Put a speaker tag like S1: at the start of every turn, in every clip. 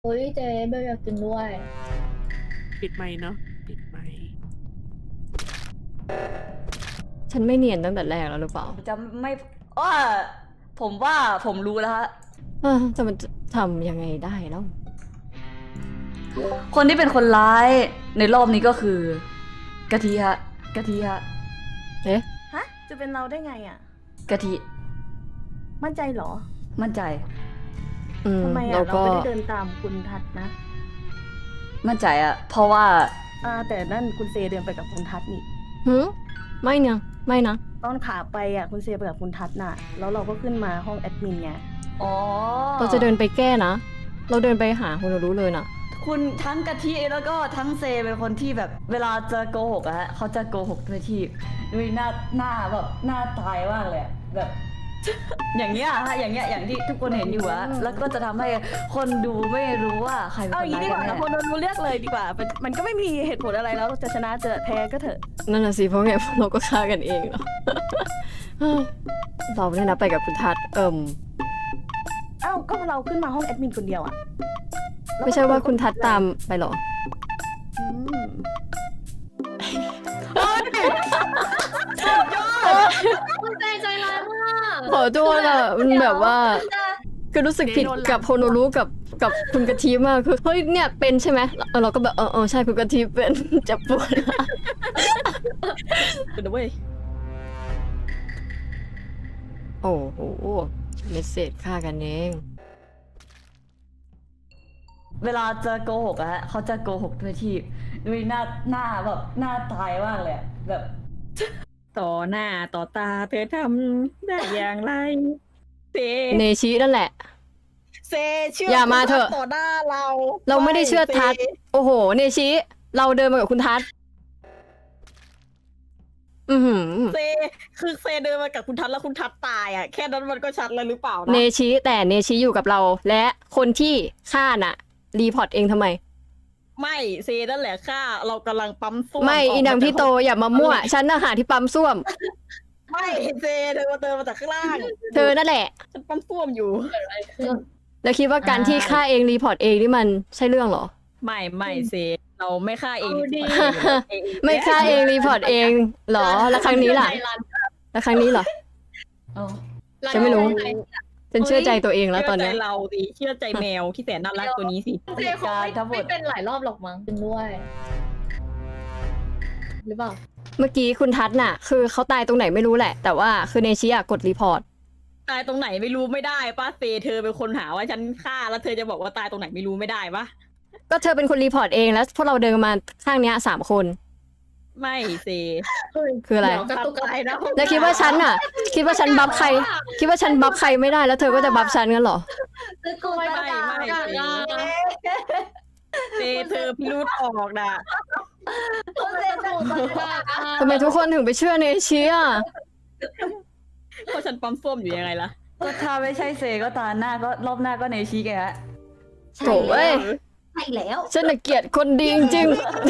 S1: เฮ้ยเจ๊เบลอยากกินด้วย
S2: ปิดไมค์เนาะปิดไมค์
S3: ฉันไม่เนียนตั้งแต่แรกแล้วหรือเปล่า
S4: จะไม่ผมว่าผมรู้แล้วฮะ
S3: จะมันทำยังไงได้แล้ว
S4: คนที่เป็นคนร้ายในรอบนี้ก็คือกะทิฮะกะทิฮะ
S3: เอ๊ะ
S5: ฮะ จะเป็นเราได้ไงอ่ะ
S4: กะทิ
S5: มั่นใจเหรอ
S4: มั่นใจ
S5: ทำไม
S3: เรา
S5: อ่ะ เรา
S3: ก็
S5: ไม่ได้เดินตามคุณทัศน์นะ
S4: มั่นใจอะเพราะว่า
S5: แต่นั่นคุณเซเดินไปกับคุณทัศน์นี่
S3: หืมไม่นะไม่นะ
S5: ตอนขาไปอ่ะคุณเซไปกับคุณทัศน์น่ะ แล้วเราก็ขึ้นมาห้องแอดมินไง
S4: อ๋อ
S3: เราจะเดินไปแก้นะ เราเดินไปหาคนรู้เลยนะ
S4: คุณทั้งกะทิแล้วก็ทั้งเซเป็นคนที่แบบเวลาจะโกหกอะฮะเขาจะโกหกด้วยที่ด้วยหน้าแบบหน้าตายมากเลยอะแบบ อย่างเงี้ยฮะอย่างเงี้ยอย่างที่ทุกคนเห็นอยู่อะแล้วก็จะทำให้คนดูไม่รู้ว่าใครเป็น
S5: เอา
S4: ค
S5: อน ย่างนี้
S4: ร้าย
S5: ดีก
S4: กัน
S5: ว่า
S4: แน่
S5: คนรู้เลือกเลยดีกว่า มันก็ไม่มีเหตุผลอะไรแล้ว จะชนะจะแพ้ก็เถอะ
S3: นั่นน่ะสิเพราะไงเราก็ฆ่ากันเองเหรอ เราเนี่ยนะไปกับคุณทัศน์
S5: เอ้าก็เราขึ้นมาห้องแอดมินคนเดียวอ่ะ
S3: ไม่ใช่ว่าคุณทัศน์ตามไปเหรอ
S5: อืม
S1: คุณใจใจร้ายมาก
S3: ขอโทษอ่ะมันแบบว่าคือรู้สึกผิดกับโฮโนรุกับคุณกะทิมากคือเฮ้ยเนี่ยเป็นใช่ไหมเราก็แบบใช่คุณกะทิเป็น จะปวด
S5: เป็นเว้ย
S3: โอ้โหเมสเซจฆ่ากันเอง
S4: เวลาจะโกหกอะฮะเขาจะโกหกด้วยที่ด้วยหน้าแบบหน้าตายมากเลยอะแบบ
S5: ต่อหน้าต่อตาเธอทำได้อย่างไรเซ
S3: เนชินั่นแหละ
S5: เซเชื่อ
S3: อย่ามาเถอะ
S5: ต่อหน้าเรา
S3: เราไม่ได้เชื่อทัศน์
S5: เซ
S3: โอ้โห เนชิเราเดินมากับคุณทัศน์
S5: เซคือเซเดินมากับคุณทัศน์แล้วคุณทัศน์ตายอ่ะแค่นั้นมันก็ชัดแล้วหรือเปล่า
S3: เน
S5: นะ
S3: ชิแต่เนชิอยู่กับเรา และคนที่ฆ่าน่ะ รีพอร์ตเองทำไม
S5: ไม่เซนั่นแหละค่ะเรากำลังปั๊มส้วม
S3: ไม่
S5: ก
S3: อีนางพี่โตอย่ามามั่ว ฉันน่ะหาที่ปั๊มส้วม
S5: ไม่เซเธอมาเดินมาจากข้างล่าง
S3: เธอนั่นแหละ
S5: ฉันปั๊มส้วมอยู่
S3: แล้วคิดว่าการที่ฆ่าเองรีพอร์ตเองนี่มันใช่เรื่องเหรอ
S5: ไม่เซเราไม่ฆ่าเอง
S1: เอาดี
S3: ไม่ฆ่าเองรีพอร์ตเองเหรอ แล้วครั้งนี้ล่ะ แล้วครั้งนี้เหรอ
S4: เอา
S3: ฉันไม่รู้ ฉันเชื่อใจตัวเองแล้วตอนเนี้ย
S5: เชื่อใจเราสิเชื่อใจแมวที่แสนน่ารักตัวนี้สิ
S1: เจ๊คงไม่เป็นหลายรอบหรอกมั้งกินด้วย หรือเปล่า
S3: เมื่อกี้คุณทัศน์น่ะ คือเขาตายตรงไหนไม่รู้แหละ แต่ว่าคือเนชิอะกดรีพอร์ต
S5: ตายตรงไหนไม่รู้ไม่ได้ป้าเซเธอเป็นคนหาว่าฉันฆ่าแล้วเธอจะบอกว่าตายตรงไหนไม่รู้ไม่ได้ปะ
S3: ก็เธอเป็นคนรีพอร์ตเองแล้วพวกเราเดินมาข้างเนี้ย3 คน
S5: ไม่เซ
S3: คืออะไร
S1: เดี๋ยวกระตุกอะไรนะ
S3: แล้วคิดว่าฉันน่ะ คิดว่าฉันบัฟใคร คิดว่าฉันบัฟใครไม่ได้แล้วเธอก็จะบัฟฉันกันเหรอ
S1: จะกูไม่ได้
S5: เซเธอพิรุธออกนะ
S3: ทำไมทุกคนถึงไปเชื่อเนชิอ่ะ
S5: เพราะฉันปั๊มส้วมอยู่ยังไงล่ะ
S4: ก็ถ้าไม่ใช่เซก็ตาหน้าก็รอบหน้าก็เนชิไงฮะ
S3: โถ่เอ้ย
S1: ใช่แล้ว
S3: ฉันน่ะเกลียดคนดีจริง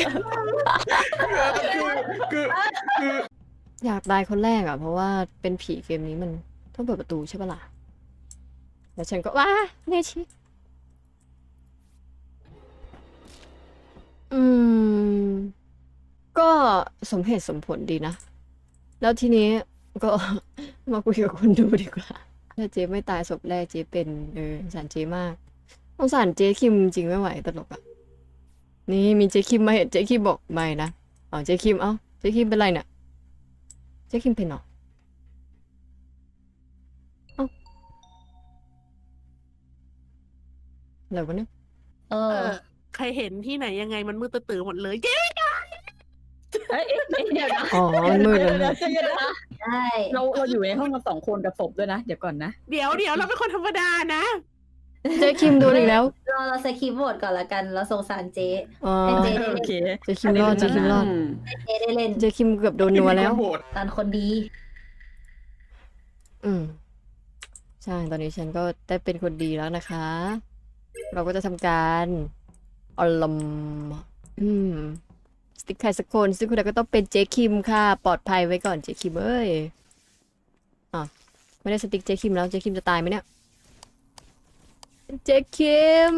S3: ๆอยากตายคนแรกอ่ะ เพราะว่าเป็นผีเกมนี้มันต้องเปิดประตูใช่ปะล่ะ แล้วฉันก็ว้าเนชิ ก็สมเหตุสมผลดีนะ แล้วทีนี้ก็ มาคุยกับคนดูดีกว่า ถ้าเจ๊ไม่ตายศพแรกเจ๊เป็นสงสารเจ๊มากสงสารเจ๊คิมจริงไม่ไหวตลกอ่ะ นี่มีเจ๊คิมมาเห็นเจ๊คิมบอกไม่นะเจ๊คิมเจ๊คิมเป็นไรเนี่ยเจ๊คิมเป็นเหรออะไรวะเนี่ย
S2: ใครเห็นที่ไหนยังไงมันมืดตื่นหมดเลยเจ๊
S1: เดี๋ยวนะ
S3: อ๋อมันมืดเลย
S1: ใช่
S5: เราอยู่ในห้องกัน2 คนกับศพด้วยนะ เดี๋ยวก่อนนะ
S2: เดี๋ยวเราเป็นคนธรรมดานะ
S3: เจ๊คิมโดนอีกแล้ว
S1: เราสคริปต์บทก่อนละกันเราสงสารเจ๊
S3: อ๋อ
S1: ให้เจ๊ได้
S5: โอ
S1: เล่น
S5: เค
S3: เจ๊คิมรอดเจ๊คิมรอด
S1: เจ๊ได้เล่น
S3: เจ๊คิมเกือบโดนนัวแล้ว
S1: ตอนคนดี
S3: ใช่ ตอนนี้ฉันก็ได้เป็นคนดีแล้วนะคะ เราก็จะทำการอลมสติ๊กใครสักคนซึ่งคุณก็ต้องเป็นเจ๊คิมค่ะ ปลอดภัยไว้ก่อนเจ๊คิมเอ้ยไม่ได้สติ๊กเจ๊คิมแล้วเจ๊คิมจะตายไหมเนี่ย เจ๊เจ๊คิม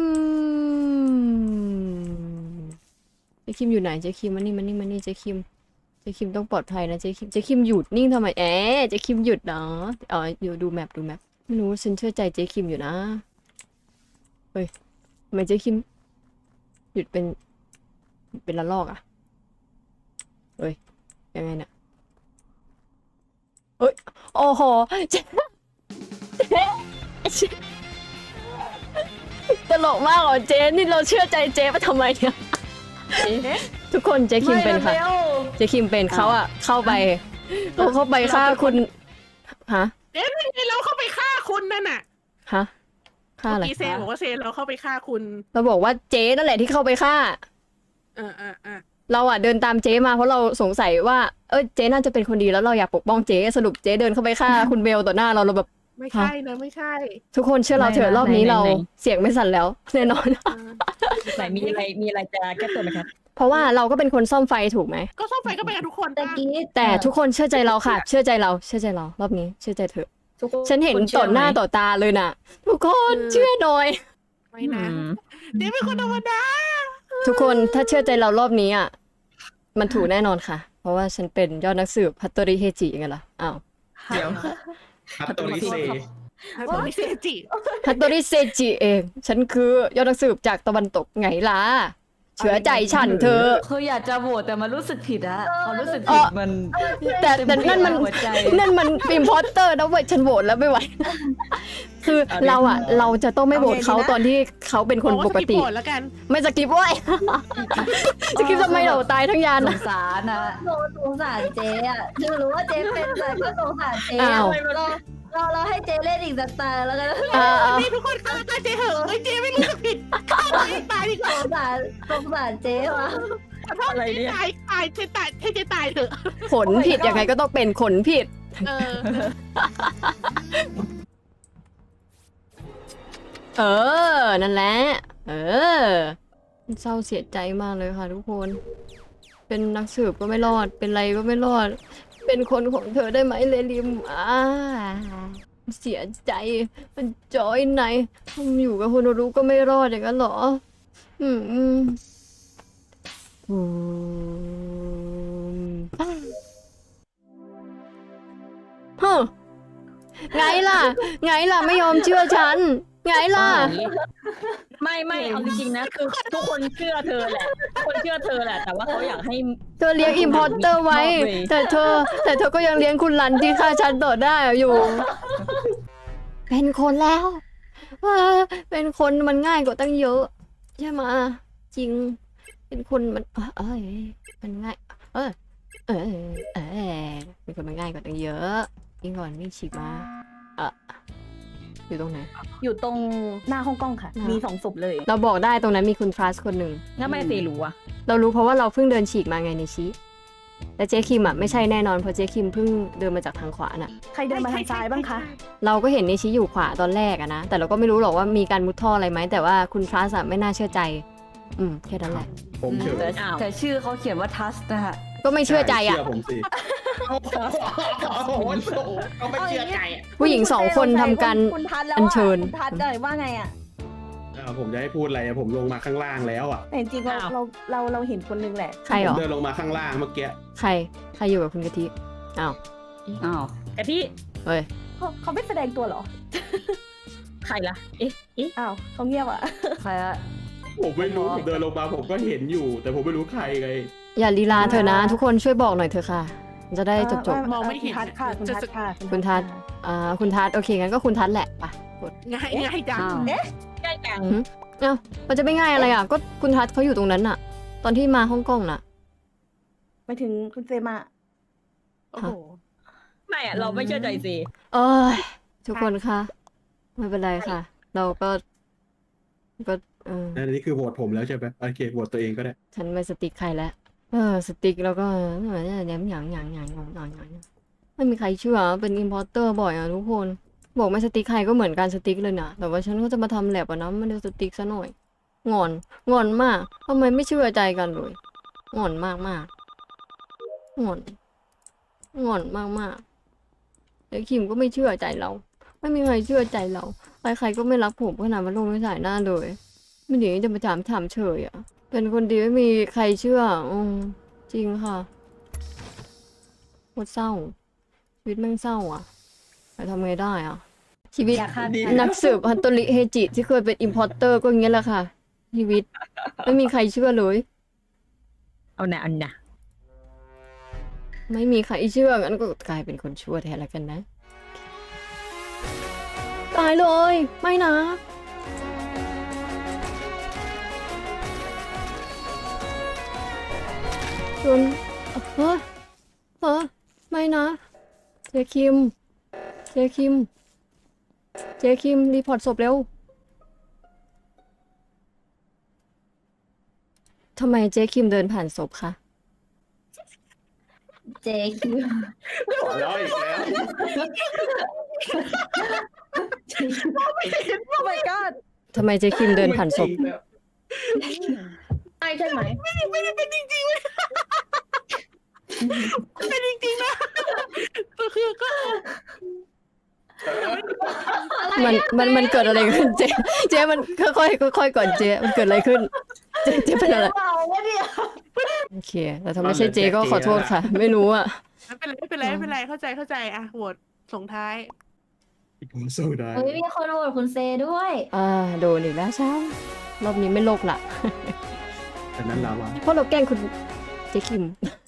S3: เจ๊คิมอยู่ไหนเจ๊คิมมานี่เจ๊คิมต้องปลอดภัยนะเจ๊คิมหยุดนิ่งทำไมเจ๊คิมหยุดเนาะอ๋ออยู่ดูแมปไม่รู้ฉันเชื่อใจเจ๊คิมอยู่นะเฮ้ยทำไมเจ๊คิมหยุดเป็นละลอกอ่ะเฮ้ยยังไงเนี่ยเฮ้ยโอ้โหเจ๊ตลกมากเหรอเจ๊นี่เราเชื่อใจเจ๊ไปทำไมเนี่ยทุกคนเจ๊คิมเป็นค่ะ
S4: ไม่ร็ว
S3: เจ๊คิมเป็นเขาอะเข้าไปฆ่าคุณฮะ
S2: เอ๊ะไม่ใช่เราเข้าไปฆ่าคุณนั่นน่ะ
S3: ฮะฆ่าอะไร
S2: เมื่อกี้เซนบอกว่าเซนเราเข้าไปฆ่าคุณ
S3: เราบอกว่าเจ๊นั่นแหละที่เข้าไปฆ่า
S2: อ่า
S3: เราอะเดินตามเจ๊มาเพราะเราสงสัยว่าเจ๊น่าจะเป็นคนดีแล้วเราอยากปกป้องเจ๊สรุปเจ๊เดินเข้าไปฆ่า คุณเบลต่อหน้าเราแบบ
S2: ไม่ใช่นะไม่ใช่
S3: ทุกคนเชื่อเราเถอะรอบนี้เราเสียงไม่สั่นแล้วแน่นอน
S5: ไหนมีอะไรจะแก้ตัวไหมครับ
S3: เพราะว่าเราก็เป็นคนซ่อมไฟถูกไหม
S2: ก็ซ่อมไฟก็ไปกันทุกคน
S1: ตะ
S2: ปะ
S1: กี้
S3: แต่ทุกคนเชื่อใจเราค่ะ เชื่อใจเรารอบนี้เชื่อใจเถอะฉันเห็นต่อหน้าต่อตาเลยน่ะ ทุกคนเชื่อหน่อย
S2: ไม่นะเจ๊เป็นคนธรรมดา
S3: ทุกคนถ้าเชื่อใจเรารอบนี้อ่ะมันถูกแน่นอนค่ะ เพราะว่าฉันเป็นยอดนักสืบฮัตโตริเฮจิไงล่ะอ้าว
S5: เดี๋ยว
S6: ฮัตโตริเซ
S2: ตัวนี้เซจิ
S3: ฮัตโตริเซจิเองฉันคือยอดนักสืบจากตะวันตกไงล่ะเชื่อใจฉันเธอ
S4: คืออยากจะโหวตแต่มันรู้สึกผิดอะความรู้สึก
S3: เอ
S4: ผิ
S3: อ
S4: ดมัน
S3: แต่นั่นมัน
S4: หัวใจ
S3: นั่นมันอิมพอร์เตอร์นะเว้ยฉันโหวตแล้วไม่ไหว คือเราอ่ะเราจะต้องไม่โหวตเขาตอนที่เขาเป็นคนปกติ
S2: บอกว่าสกิปโหวตแล้วกัน
S3: ไม่สกิปเว้ย สกิปทำไมเราตายทั้งยาน
S4: ส
S3: อะ
S4: งสารนะ
S1: สงสารเจ๊อะคือรู้ว่าเจ๊เป็นแต่ก็สงสารเจ๊
S3: อ้าว
S1: เราให้เจ๊เล่นอีกสักตาแล้วกัน
S2: นี่ทุกคนฆ่าตายเจ๊เหอะเฮ้ยเจ๊ไม่รู้สึกผิดฆ่าตัวเองตายดีกว่า
S1: สงสารเจ๊วะ
S2: ขอโทษ
S5: อะไรเนี่ย
S2: ตายเจ๊ตายให้เจ๊ตายเถอะ
S3: ขนผิดยังไงก็ต้องเป็นขนผิด
S2: เออ
S3: นั่นแหละ เศร้าเสียใจมากเลยค่ะทุกคน เป็นนักสืบก็ไม่รอด เป็นไรก็ไม่รอด เป็นคนของเธอได้ไหมเลลิมเสียใจ มันจอยไหนอยู่กับคนรู้ก็ไม่รอดอย่างนั้นเหรอ ฮะไงล่ะ ไม่ยอมเชื่อฉัน ไงล่ะ
S5: ไม่เอาจริงๆนะคือทุกคนเชื่อเธอแหละทุกคนเชื่อเธอแหละแต่ว่าเขาอยากให้
S3: เธอเลี้ยงอิมพอร์เตอร์ไว้ แต่เธอก็ยังเลี้ยงคุณรันที่ฆ่าฉันต่อได้อยู่ เป็นคนแล้วว่าเป็นคนมันง่ายกว่าตั้งเยอะ ใช่ไหมะจริง เป็นคนมันมันง่ายเป็นคนมันง่ายกว่าตั้งเยอะยิ่งก่อนวิ่งฉีกมาอยู่ตรงไหน
S5: อยู่ตรงหน้าห้องกล้องค่ะ
S3: มี
S5: มี2 ศพเลย
S3: เราบอกได้ตรงนั้นมีคุณฟรัสคนหนึ่ง
S5: งั้นไม่เซรู้อะ
S3: เรารู้เพราะว่าเราเพิ่งเดินฉีกมาไงในชี้แต่เจ๊คิมอ่ะไม่ใช่แน่นอนเพราะเจ๊คิมเพิ่งเดินมาจากทางขวาน่ะ
S5: ใครเดินมาทางซ้ายบ้างคะ
S3: เราก็เห็นในชี้อยู่ขวาตอนแรกอะนะแต่เราก็ไม่รู้หรอกว่ามีการมุดท่ออะไรไหมแต่ว่าคุณฟรัสอะไม่น่าเชื่อใจแค่นั้นแหละ
S6: ผมเชื่อ
S4: แต่ชื่อเขาเขียนว่าทัสนะฮะ
S3: ก็ไม่เชื่อใจอ่ะ
S6: เชื่อผมสิโอ้โหเขาไม่เชื่อใจอ่ะ
S3: ผู้หญิง2 คนทำการ
S7: คุณทัศน์แล้ว
S3: อัญเชิญ
S7: คุณทัศน์เลยว่าไงอ่ะ
S6: ผมจะให้พูดอะไรผมลงมาข้างล่างแล้วอ่ะ
S7: แต่จริงๆเราเห็นคนนึงแหละ
S3: ใครเหร
S6: ผม
S3: อ
S6: เดินลงมาข้างล่างเมื่อกี้
S3: ใครอยู่กับคุณกะทิอ้าว
S4: อ้าว
S5: กะทิ
S3: เฮ้ย
S7: เขาไม่แสดงตัวเหรอ
S5: ใครล่ะเอ๊ะ
S7: อ้าวเขาเงียบอ่ะ
S4: ใครอะ
S6: ผมไม่รู้ผมเดินลงมาผมก็เห็นอยู่ แต่ผมไม่รู้ใครไง
S3: อย่าลีลาเถอะนะ ทุกคนช่วยบอกหน่อยเถอะค่ะมันจะได้จบ
S2: มองไม่เห็น
S7: คุณทัศน์ค่ะคุณทัศน์ค่ะ
S3: คุณทัศน์คุณทัศน์โอเคงั้นก็คุณทัศน์แหละไปกด
S2: ง่ายจัง
S4: อ้าว
S5: ใกล้จัง
S3: มันจะไม่ง่ายอะไรอ่ะก็คุณทัศน์เขาอยู่ตรงนั้นน่ะ ตอนที่มาฮ่องกงน่ะ
S7: ไปถึงคุณเซมา
S2: โอ้โห
S5: ไม่อะเราไม่เชื่อใจเซ
S3: เอ้ยทุกคนคะไม่เป็นไรค่ะ เราก็
S6: นั่นนี่คือโหวตผมแล้วใช่ไหมโอเคโหวตตัวเองก็ได้
S3: ฉันไม่สติ๊กใครแล้วสติ๊กแล้วก็ย้ำหยางไม่มีใครเชื่อเป็นอิมพอร์เตอร์บ่อยอ่ะทุกคนบอกไม่สติ๊กใครก็เหมือนการสติ๊กเลยนะแต่ว่าฉันก็จะมาทำแลบอ่ะนะไม่ได้สติ๊กซะหน่อยงอนมากทำไมไม่เชื่อใจกันเลยงอนมากงอนมากไอ้คิมก็ไม่เชื่อใจเรา ไม่มีใครเชื่อใจเราใครๆก็ไม่รักผมขนาดมันลงไม่สายหน้าเลยไม่หนีจะมาถามเฉยอ่ะ เป็นคนดีไม่มีใครเชื่อจริงค่ะโคตรเศร้า ชีวิตแม่งเศร้าอ่ะแต่ทำไงได้อ่ะ ชีวิต
S1: อยากฆ่า
S3: นักสืบฮันโตริเฮจิที่เคยเป็นอิมพอร์เตอร์ก็อย่างเงี้ยแหละค่ะ ชีวิต ไม่มีใครเชื่อเลย
S5: เอานะเอานะ
S3: ไม่มีใครเชื่องั้นก็กลายเป็นคนชั่วแทนแล้วกันนะ ตายเลย ไม่นะ จนเฮ้อไม่นะ เจคิม รีพอร์ตศพเร็ว ทำไมเจคิมเดินผ่านศพคะ
S1: เจคิว
S6: ขอร้องอีกแล้ว
S7: โอ้ my god
S3: ทำไมเจคิมเดินผ่านศพ
S1: ใช่ใช่ไหม
S2: ไม่ได้เป็นจริงๆเลยเป็นจริงๆนะก็คือก็
S3: มันเกิดอะไรขึ้น เจมันค่อยก่อนเจมันเกิดอะไรขึ้น เจเป็นอะไร
S1: เปล่าวะเนี่ย
S3: โอเคแต่ถ้าไม่ใช่เจก็ขอโทษค่ะ ไม่รู้อ่ะ
S2: ไม่เป็นไรเข้าใจอ่ะโหวตส่งท้าย
S6: ผมสู้ได้
S1: เฮ้ยมีคนโหวตคุณเซด้วย
S3: โดนอีกแล้วใช่รอบนี้ไม่โลกละ
S6: แต่นั้นลาวา
S3: เพราะเราแกล้งคุณเจคิม